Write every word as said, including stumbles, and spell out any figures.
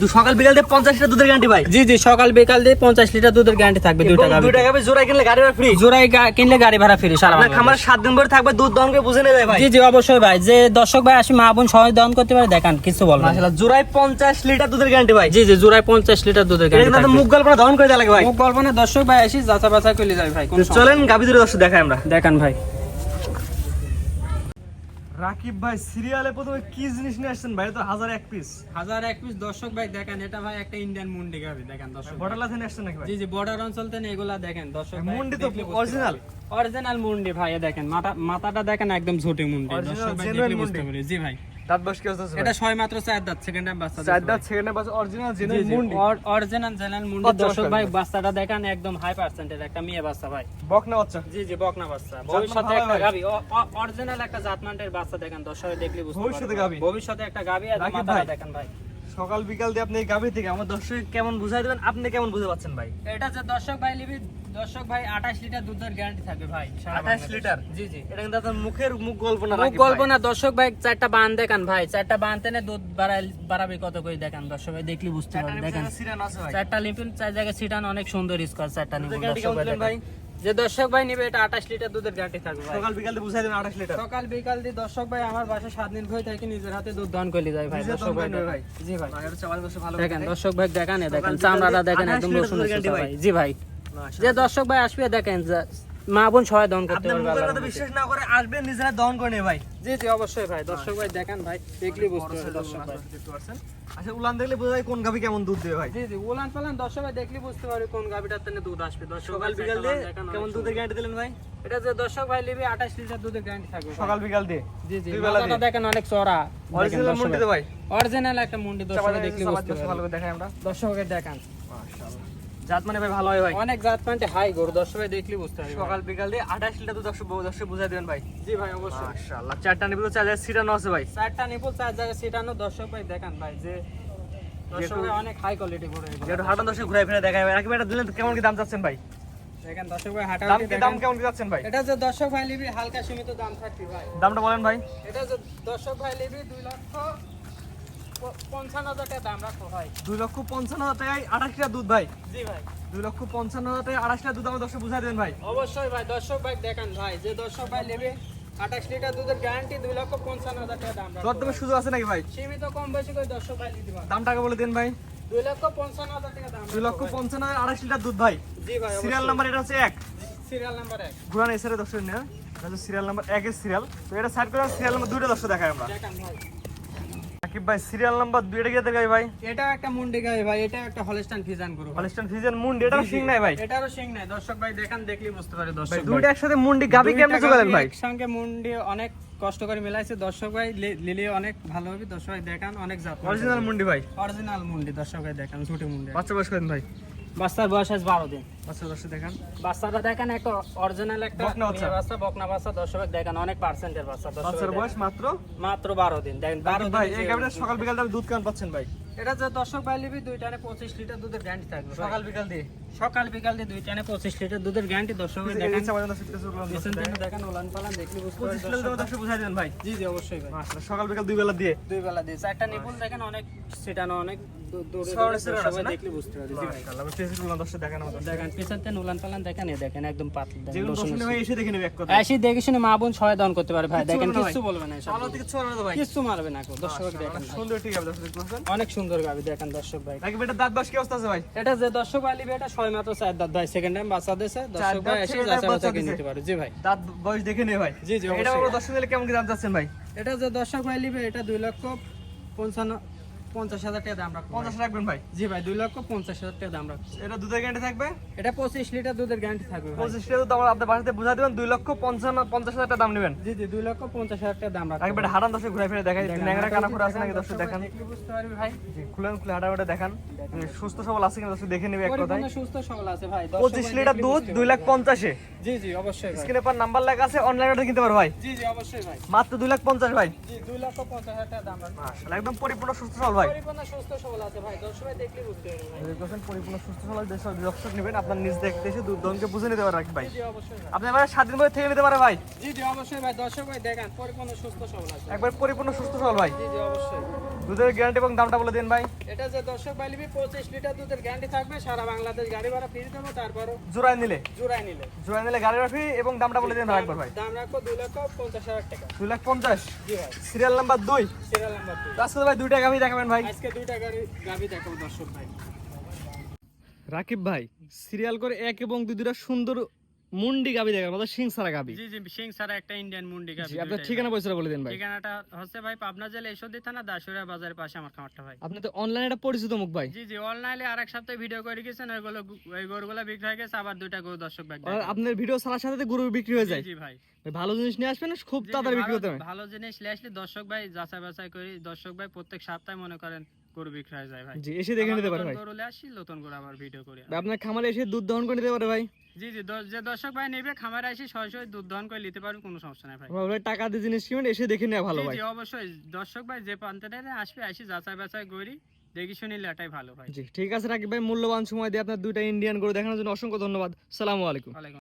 সকাল বিকাল দিয়ে পঞ্চাশ লিটার দুধের গ্যারান্টি ভাই। জি জি সকাল বিকাল দিয়ে পঞ্চাশ লিটার দুধের গ্যারান্টি থাকবে। দুইটা গাভী দুইটা গাভী জোড়ায় কিনলে গাড়ি ভাড়া ফ্রি। জোড়ায় কিনলে গাড়ি ভাড়া ফ্রি সারা বাংলাদেশ। খামার সাত দিন পরে থাকবে, দুধ দহন করে বুঝে নেবে ভাই। জি জি অবশ্যই ভাই, যে দর্শক ভাই আসি মা বোন সবাই দহন করতে পারে, দেখান কিছু বলবো। মাশাআল্লাহ, জোড়ায় পঞ্চাশ লিটার দুধের গ্যারান্টি ভাই। জি জি জোড়ায় পঞ্চাশ লিটার দুধের গ্যারান্টি থাকবে। মুখ গল্প দহন করে দেওয়া লাগে ভাই। মুখ গল্প না, দর্শক ভাই আসি যাচা বাছাই করে যাবে ভাই। চলেন গাভী দুটো দর্শক দেখাই আমরা। দেখান ভাই। রাকিব ভাই সিরিয়ালে প্রথমে কি জিনিস নিয়ে আসছেন ভাই? তো হাজার এক পিস হাজার এক পিস দর্শক ভাই দেখেন, এটা ভাই একটা ইন্ডিয়ান মুন্ডি গাভী দেখেন দর্শক। বর্ডার লাথে নিয়ে আসছেন নাকি ভাই? জি জি বর্ডার অঞ্চল থেকে এগুলা দেখেন দর্শক ভাই। মুন্ডি তো অরিজিনাল অরিজিনাল মুন্ডি ভাই, দেখেন মাথা মাথাটা দেখেন একদম ঝুটি মুন্ডি দর্শক ভাই, দেখলে বুঝতে পারবে। জি ভাই দাঁত বয়স কি হচ্ছে? এটা ছয় মাত্র চার দাঁত, সেকেন্ড টাইম বাচ্চা। চার দাঁত সেকেন্ড টাইম বাচ্চা, অরিজিনাল জেনুইন মুন্ডি। অরিজিনাল জেনুইন মুন্ডি দর্শক ভাই। বাচ্চাটা দেখেন একদম হাই পার্সেন্টের একটা মেয়ে বাচ্চা ভাই। বকনা বাচ্চা? জি জি বকনা বাচ্চা। ভবিষ্যতে একটা গাভী, অরিজিনাল একটা জাতমানের বাচ্চা দেখেন দর্শক দেখলে বুঝতে পারবে। ভবিষ্যতে গাভী, ভবিষ্যতে একটা গাভী। আর মাথাটা দেখেন ভাই। সকাল বিকাল দিয়ে আপনি এই গাভী থেকে আমার দর্শক কেমন বুঝাই দিবেন, আপনি কেমন বুঝতে পারছেন ভাই? এটা যে দর্শক ভাই লিবি, দর্শক ভাই আঠাশ লিটার দুধের গ্যারান্টি থাকবে ভাই। আঠাশ লিটার? জি জি এটা কিন্তু আপনার মুখের মুখ গল্প না, মুখ গল্প না দর্শক ভাই। চারটা বান দেখান ভাই, চারটা বানতে না দুধ বাড়াই বাড়াবে কত করে দেখেন দর্শক ভাই, দেখলি বুঝতে পারবেন। দেখেন চারটা লিম্পিন, চার জায়গায় সিটান, অনেক সুন্দর স্কোয়ার চারটা নিবেন দর্শক ভাই। যে দর্শক ভাই নিবে এটা আঠাশ লিটার দুধের গ্যারান্টি থাকবে ভাই। সকাল বিকাল দিয়ে বুঝাই দেন আঠাশ লিটার। সকাল বিকাল দিয়ে দর্শক ভাই আমার বাসায় সাত দিন ভয় থাকে, নিজের হাতে দুধ দহন করে যায় ভাই দর্শক ভাই। জি ভাই দেখেন দর্শক ভাই দেখেন, দেখেন চামড়াটা দেখেন একদম রসুন ভাই। জি ভাই যে দর্শক ভাই আসবে দেখেন মা বোন সবাই দহন করতে পারবে। আপনারা তো বিশ্বাস না করে আসবেন, নিজেরা দহন করে নেবে ভাই। জি জি অবশ্যই ভাই। দর্শক ভাই দেখেন ভাই, দেখলি বুঝতে পারবে দর্শক ভাই। আচ্ছা উলান দেখলে বোঝা যায় কোন গাভী কেমন দুধ দেবে ভাই। জি জি উলান পালান দর্শক ভাই দেখলি বুঝতে পারবে কোন গাভীটার থেকে দুধ আসবে দর্শক। সকাল বিকাল দিয়ে কেমন দুধের গ্যারান্টি দিলেন ভাই? এটা যে দর্শক ভাই লিবি আঠাশ লিটার দুধের গ্যারান্টি থাকবে সকাল বিকাল দিয়ে। জি জি মাথাটা দেখেন অনেক চড়া। অরিজিনাল মুন্ডি তো ভাই, অরিজিনাল একটা মুন্ডি দর্শক ভাই, দেখলি বুঝতে পারবে। ভালো করে দেখাই আমরা দর্শককে দেখান। মাশাআল্লাহ, জাত মানে ভাই ভালো হয় ভাই। অনেক জাত মানে হাই গরু দর্শক ভাই দেখলি বুঝতে পারবে। সকাল বিকাল দিয়ে আঠাশ লিটার দুধ দর্শক দর্শক বুঝাই দিবেন ভাই। জি ভাই অবশ্যই। মাশাআল্লাহ, চারটা নিবল চার জায়গায় সিটানো আছে ভাই। চারটা নিপুল চার জায়গায় সিটানো দর্শক ভাই দেখেন ভাই, যে দর্শক ভাই অনেক হাই কোয়ালিটি গরু এগুলো। যেটা হাটান দর্শক ঘুরাই ফিরে দেখাই ভাই। রাকিব এটা দিলেন তো কেমন কি দাম চাচ্ছেন ভাই? দেখেন দর্শক ভাই হাঁটা দাম কি দাম কেমন কি যাচ্ছেন ভাই? এটা যে দর্শক ভাই লিবি হালকা সীমিত দাম থাকবে ভাই। দামটা বলেন ভাই। এটা যে দর্শক ভাই লিবি দুই লক্ষ পঞ্চান্ন হাজার টাকা দাম রাখো ভাই। দুই লক্ষ পঞ্চান্ন হাজার টাকায় আঠাশ লিটার দুধ ভাই। জি ভাই দুই লক্ষ পঞ্চান্ন হাজার টাকায় আঠাশ লিটার দুধ আমার দর্শক বুঝাই দেন ভাই। অবশ্যই ভাই। দর্শক ভাই দেখেন ভাই, যে দর্শক ভাই নেবে আঠাশ লিটার দুধের গ্যারান্টি, দুই লক্ষ পঞ্চান্ন হাজার টাকা দাম রাখো। দরদামের সুযোগ আছে নাকি ভাই? সীমিত কম বেশি করে দর্শক ভাই দিতে পারবে। দামটাকে বলে দেন ভাই। দুই লক্ষ পঞ্চান্ন হাজার টাকা দাম। দুই লক্ষ পঞ্চান্ন হাজার আঠাশ লিটার দুধ ভাই। জি ভাই সিরিয়াল নাম্বার এটা হচ্ছে এক। সিরিয়াল নাম্বার এক। ঘুরান এসে দর্শক নেন, এটা হচ্ছে সিরিয়াল নাম্বার এক এর সিরিয়াল। তো এটা সাইড করে সিরিয়াল নাম্বার দুইটা দর্শক দেখাই আমরা। দেখেন ভাই রাকিব ভাই সিরিয়াল নাম্বার দুইটা গিয়ে দেখাই ভাই। এটা একটা মুন্ডি গাই ভাই, এটা একটা হলস্টাইন ফিজান গরু। হলস্টাইন ফ্রিজিয়ান মুন্ডি, এটাও শিং নাই ভাই। এটারও শিং নাই দর্শক ভাই, দেখেন দেখলি বুঝতে পারে দর্শক ভাই। দুইটা একসাথে মুন্ডি গাবি কেমনে চলেন ভাই? একসঙ্গে মুন্ডি অনেক কষ্ট করে মিলাইছে দর্শক ভাই, লিলে অনেক ভালো হবে দর্শক ভাই। দেখেন অনেক জাত অরিজিনাল মুন্ডি ভাই। অরিজিনাল মুন্ডি দর্শক ভাই দেখেন, ছোট মুন্ডি। বাচ্চা বয়স করেন ভাই? বাচ্চার বয়স আজ বারো দিন। বাচ্চা দর্শক দেখেন, বাচ্চাটা দেখেন একটা অরিজিনাল একটা বকনা বাচ্চা। মেয়ে বাচ্চা, বকনা বাচ্চা দর্শক ভাই দেখেন, অনেক পার্সেন্টের বাচ্চা দর্শক বাচ্চার ভাই বয়স দেখেন। মাত্র মাত্র বারো দিন দেখেন। বারো ভাই দিন এই গাবিটা সকাল বিকাল দাম দুধ কেমন পাচ্ছেন ভাই? এটা যে দর্শক ভাই লিবি দুই টানে পঁচিশ লিটার দুধের গ্যারান্টি থাকবে ভাই। সকাল বিকাল দিয়ে সকাল বিকাল দিয়ে দুই টানে পঁচিশ লিটার দুধের গ্যারান্টি দর্শক ভাই দেখেন। ইচ্ছা পর্যন্ত শিখতে শুরু করলাম পেছন থেকে দেখেন উলান পালান দেখলি বুঝতে পারবেন পঁচিশ লিটার দর্শক বুঝাই দেন ভাই। জি জি অবশ্যই ভাই। মাশাআল্লাহ, সকাল বিকাল দুই বেলা দিয়ে দুই বেলা দিয়ে চারটা নিপুল দেখেন, অনেক সেটানো অনেক দূ- দূরে শহরে দূরে সেটা দর্শক আছে ভাই না? দেখলি বুঝতে পারবে। জি ভাই মাশাআল্লাহ, আমি পেছন করলাম দর্শক দেখেন আমাদের। দেখেন পেছন থেকে উলান পালান দেখেন, এ দেখেন একদম পাতলা দেখেন। যেগুলো দর্শক ভাই এসে দেখে নেবে এক কথা। এসে দেখে শুনে মা বোন ছয় দান করতে পারে ভাই। দেখেন বলবে না কিছু ভাই। বলবে না, এসব ভালো থেকে ছোড়া না তো ভাই। কিছু মারবে না কো দর্শক ভাই দেখেন ভাই। সুন্দর ঠিক আছে দর্শক দেখতে পাচ্ছেন। অনেক সুন্দর গাবি দেখেন দর্শক ভাই। রাকিব এটা দাঁত বাস কি অবস্থা আছে ভাই? এটা যে দর্শক ভাই লিবে এটা ছয় মাত্র চার দাঁত ভাই, সেকেন্ড টাইম বাচ্চা দিয়েছে দর্শক ভাই দাঁত এসে ছেড়ে যাচাই বাচ্চা বাচ্চা কিনে দিছে। নিতে পারে। জি ভাই দাঁত বয়স দেখে নেবে ভাই। জি জি এটা অবশ্যই। আমরা দর্শক দিলে কেমন কি দাম চাচ্ছেন ভাই? এটা যে দর্শক ভাই লিবে এটা দুই লক্ষ পঞ্চান্ন পঞ্চাশ হাজার টাকা দাম রাখবো। পঞ্চাশ রাখবেন ভাই? জি ভাই দুই লক্ষ পঞ্চাশ হাজার টাকা দাম রাখবো। এটা দুধের গ্যারান্টি থাকবে? এটা পঁচিশ লিটার দুধের গ্যারান্টি থাকবে ভাই। পঁচিশ লিটার দুধ আমার আপনার বাসাতে বুঝা দিবেন, দুই লক্ষ পঞ্চান্ন পঞ্চাশ হাজার টাকা দাম নেবেন। জি জি দুই লক্ষ পঞ্চাশ হাজার টাকা দাম রাখবো। রাকিব এটা হাঁটান দর্শক ঘুরে ফিরে দেখাই, দেখেন, ন্যাংরা হাঁটা কানা উচিত করে আছে নাকি দেখেন, দর্শক দেখান। দেখলে বুঝতে পারবি ভাই। জি, খুলেন খুলে হাঁটা ওটা দেখান, সুস্থ সবল আছে কিনা দর্শক দেখে নেবে এক কথায়। পরিপূর্ণ সুস্থ সবল আছে ভাই। দর্শক পঁচিশ ভাই লিটার দেখলে দুধ বুঝতে দুই লাখ পারবে। পঞ্চাশে। জি জি অবশ্যই ভাই। স্ক্রিনে পর নাম্বার লেখা আছে, অনলাইনে কিনতে পারো ভাই। জি জি অবশ্যই ভাই। মাত্র দুই লাখ পঞ্চাশ ভাই। জি দুই লক্ষ পঞ্চাশ হাজার টাকা দাম রাখবো। মাশাআল্লাহ, একদম পরিপূর্ণ সুস্থ সবল ভাই। ভাই? পরিপূর্ণ সুস্থ সবল আছে ভাই, দর্শক ভাই দেখলে বুঝতে পারবে ভাই। যদি দেখেন পরিপূর্ণ সুস্থ সবল দেশে দর্শক নেবেন, আপনার নিজ দেখতে এসে দুধ দহনকে বুঝে নিতে পারে রাকিব ভাই। জি জি অবশ্যই ভাই। আপনি এবার সাত দিন পরে থেকে নিতে পারে ভাই, জি জি অবশ্যই ভাই, দর্শক ভাই দেখেন পরিপূর্ণ সুস্থ সবল আছে। একবার পরিপূর্ণ সুস্থ সবল ভাই। জি জি অবশ্যই। দুধের গ্যারান্টি এবং দামটা বলে দিন ভাই। এটা যে দর্শক ভাই নিবি পঁচিশ লিটার দুধের গ্যারান্টি থাকবে, সারা বাংলাদেশ গাড়ি ভাড়া ফ্রি দেবো, তারপরও জোড়ায় নিলে জোড়ায় নিলে জোড়ায় নিলে গাড়ি ফ্রি এবং দামটা বলে দিন ভাই একবার ভাই। দাম রাখবো দুই লক্ষ পঞ্চাশ হাজার টাকা। দুই লাখ পঞ্চাশ। জি ভাই। সিরিয়াল নাম্বার দুই। সিরিয়াল নাম্বার দুই। আজকে ভাই দুইটা গাভি দেখাবেন ভাই। আজকে দুইটা গাড়ি গাভি দেখাবো দর্শক ভাই। রাকিব ভাই সিরিয়াল করে এক এবং দুই দুটা সুন্দর মুন্ডি গাভি দেখাবেন, মানে সিং সারা গাভি। জি জি সিং সারা একটা ইন্ডিয়ান মুন্ডি গাভি। জি, আপনার ঠিকানা পয়সা বলে দিন ভাই। ঠিকানাটা হচ্ছে ভাই পাবনা জেলা ঈশ্বরদী থানা দাসুরিয়া বাজারের পাশে আমার খামারটা ভাই। আপনি তো অনলাইনে একটা পরিচিত মুখ ভাই। জি জি অনলাইনে আরেক সপ্তাহে ভিডিও করে গেছেন, ওইগুলো ওই গরুগুলো বিক্রি হয়ে গেছে, আবার দুইটা গরু দর্শক ভাই আর আপনার ভিডিও ছাড়ার সাথে সাথে গরু বিক্রি হয়ে যায়। জি ভাই। ভাই ভালো জিনিস নিয়ে আসবেন, খুব জি, জি, তাড়াতাড়ি বিক্রি ভালো- হতে হবে। ভালো জিনিস নিয়ে আসলে দর্শক ভাই যাচাই বাছাই করি, দর্শক ভাই প্রত্যেক সপ্তাহে মনে করেন গরু বিক্রি হয়ে যায় ভাই। জি, এসে দেখে আবার নিতে পারে নতুন ভাই। গরু নিয়ে আসি, নতুন গরু আবার ভিডিও করি। ভাই আপনার খামারে এসে দুধ দহন করে নিতে পারে ভাই। জি জি দ- যে দর্শক ভাই নেবে খামারে আসি সরাসরি দুধ দহন করে নিতে পারবেন, কোনো সমস্যা নাই ভাই। আমরা বলে টাকা দিয়ে জিনিস কিনবেন, এসে দেখে নেওয়া ভালো জি ভাই। জি অবশ্যই দর্শক ভাই যে প্রান্তে আসবে আসি যাচাই বাছাই করি, দেখি শুনি এটাই ভালো ভাই। জি ঠিক আছে রাকিব ভাই, মূল্যবান সময় দিয়ে আপনার দুইটা ইন্ডিয়ান গরু দেখানোর জন্য অসংখ্য ধন্যবাদ। সালামু আলাইকুম। ওয়ালাইকুম